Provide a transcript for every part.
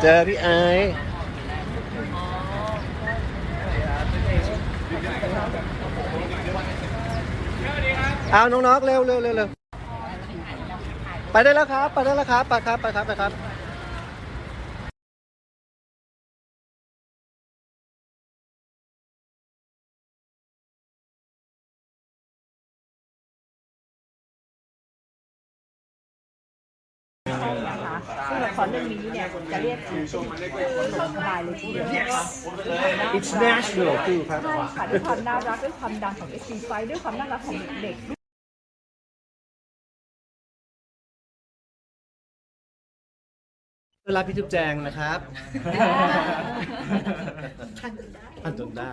จอพี่ไอซ์เอาน้องๆเร็วเร็วเร็วเร็วไปได้แล้วครับไปได้แล้วครับไปครับไปครับไปครับซึ่งละครเรื่องนี้เนี่ยจะเรียกชื่อสบายเลยทีเดียวนะคะ It's national คือครับใช่ค่ะด้วยความน่ารักด้วยความดังของ SC5 ด้วยความน่ารักของเด็กเวลาพี่จุ๊บแจงนะครับท่านจนได้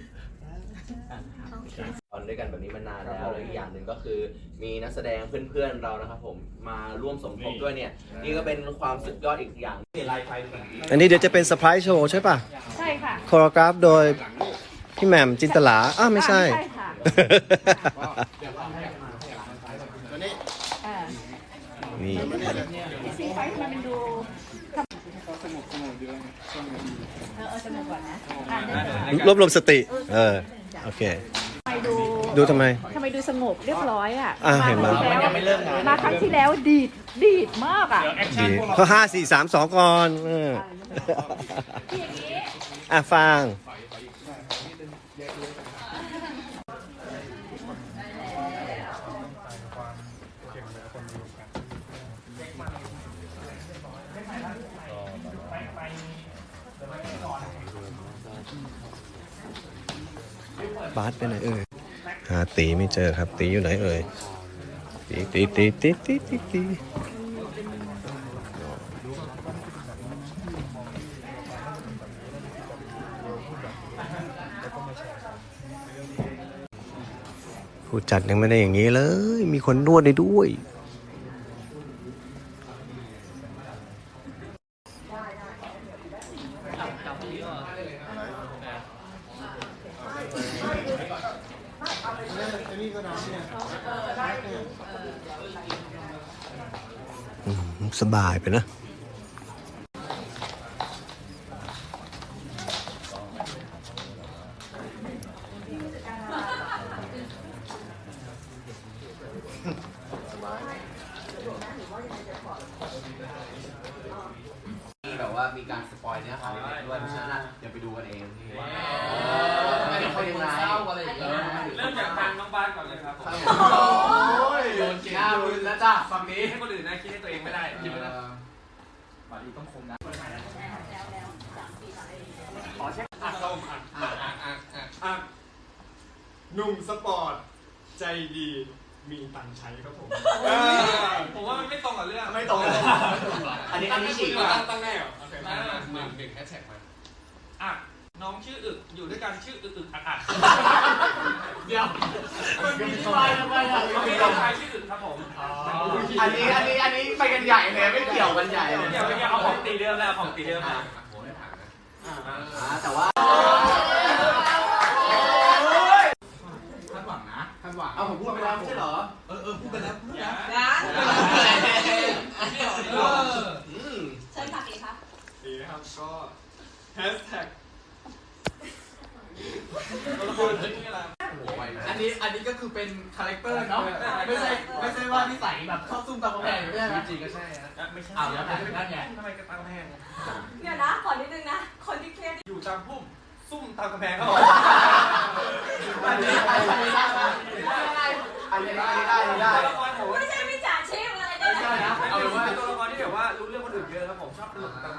ตอนด้วยกันแบบนี้มานานแล้วแล้วอีกอย่างหนึ่งก็คือมีนักแสดงเพื่อนๆเรานะครับผมมาร่วมสมทบด้วยเนี่ยนี่ก็เป็นความสุดยอดอีกอย่างลายไฟอันนี้เดี๋ยวจะเป็นเซอร์ไพรส์โชว์ใช่ป่ะใช่ค่ะโคโรกราฟโดยพี่แหม่มจินตลาไม่ใช่ใช่ค่ะนี่ SC5 มันเป็นดูสนุกดีสนุกก่อนนะรวบรวมสติโอเคดูทำไมดูสงบเรียบร้อยเห็นไหมมาครั้งที่แล้วดีดมากดีเขา5 4 3 2ก่อนฟังบาสไปไหนหาตีไม่เจอครับตีอยู่ไหนตีผู้จัดยังไม่ได้อย่างนี้เลยมีคนนวดได้ด้วยสบายไปนะแบบว่ามีการสปอยเนื้อหาด้วยเพราะฉะนั้นเดี๋ยวไปดูกันเองไม่ได้เป็นไรเริ่มจากทางน้องบ้านก่อนเลยครับผมโดนเกล้ารุนแล้วจ้ะฝั่งนี้ให้คนอื่นนะคิดให้ตัวเองไม่ได้คิดไม่ได้บาลีต้องคมนะขอเช็คหนุ่มสปอร์ตใจดีมีตังใช้ครับผมผมว่ามันไม่ตรงกับเรื่องไม่ตรงเลยอันนี้ฉีกตั้งแน่โอเค1แฮชแท็กมาน้องชื่ออึกอยู่ด้วยกันชื่ออึกอักเดี๋ยวมันมีที่มาทำไมมีน้องชายชื่ออึกครับผมอันนี้ไปกันใหญ่เลยไม่เกี่ยวกันใหญ่เลยเดี๋ยวเอาของตีเดิมแล้วของตีเดิมมาแต่ว่าคาดหวังนะคาดหวังผมพูดไปแล้วไม่ใช่เหรอพูดไปแล้วใช่ค่ะตีครับดีนะครับก็แฮชแท็กอันนี้ก็คือเป็นคาแรคเตอร์เนาะไม่ใช่ว่านิสัยแบบชอบซุ่มตามกำแพงใช่ไหมจริงก็ใช่ไม่ใช่แล้วแต่นั่นไงทำไมก็ตามกำแพงเดี๋ยวนะขอนิดนึงนะคนที่เครียดอยู่ตามพุ่มซุ่มตามกำแพงเขาบอกอันนี้ได้ไม่ใช่วิจารณ์ชีพอะไรได้นะเอาเป็นว่าตัวละครที่แบบว่ารู้เรื่องคนอื่นเยอะครับผมชอบหลุดตามกำแพ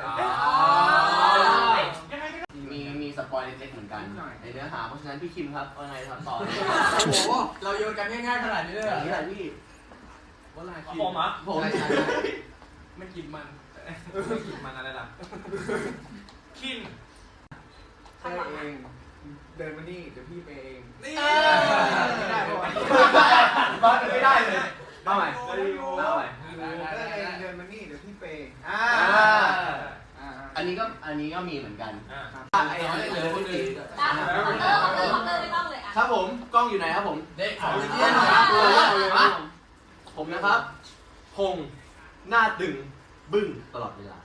งมีสปอยเล็กๆเหมือนกันในเนื้อหาเพราะฉะนั้นพี่คิมครับว่าไงครับต่อโอ้โหเราโยนกันง่ายๆขนาดนี้เลยอย่างนี้แหละพี่ว่าอะไรผมอ่ะผมไม่กินมันอะไรล่ะคิมเองเดินมานี่เดี๋ยวพี่ไปเองนี่ไม่ได้บอสไม่ได้เลยมาใหม่เดินมานี่เดี๋ยวพี่ไปอันนี้ก็มีเหมือนกันครับผมกล้องอยู่ไหนครับผมเด็กผมนะครับพงหน้าตึงบึ้งตลอดเวลา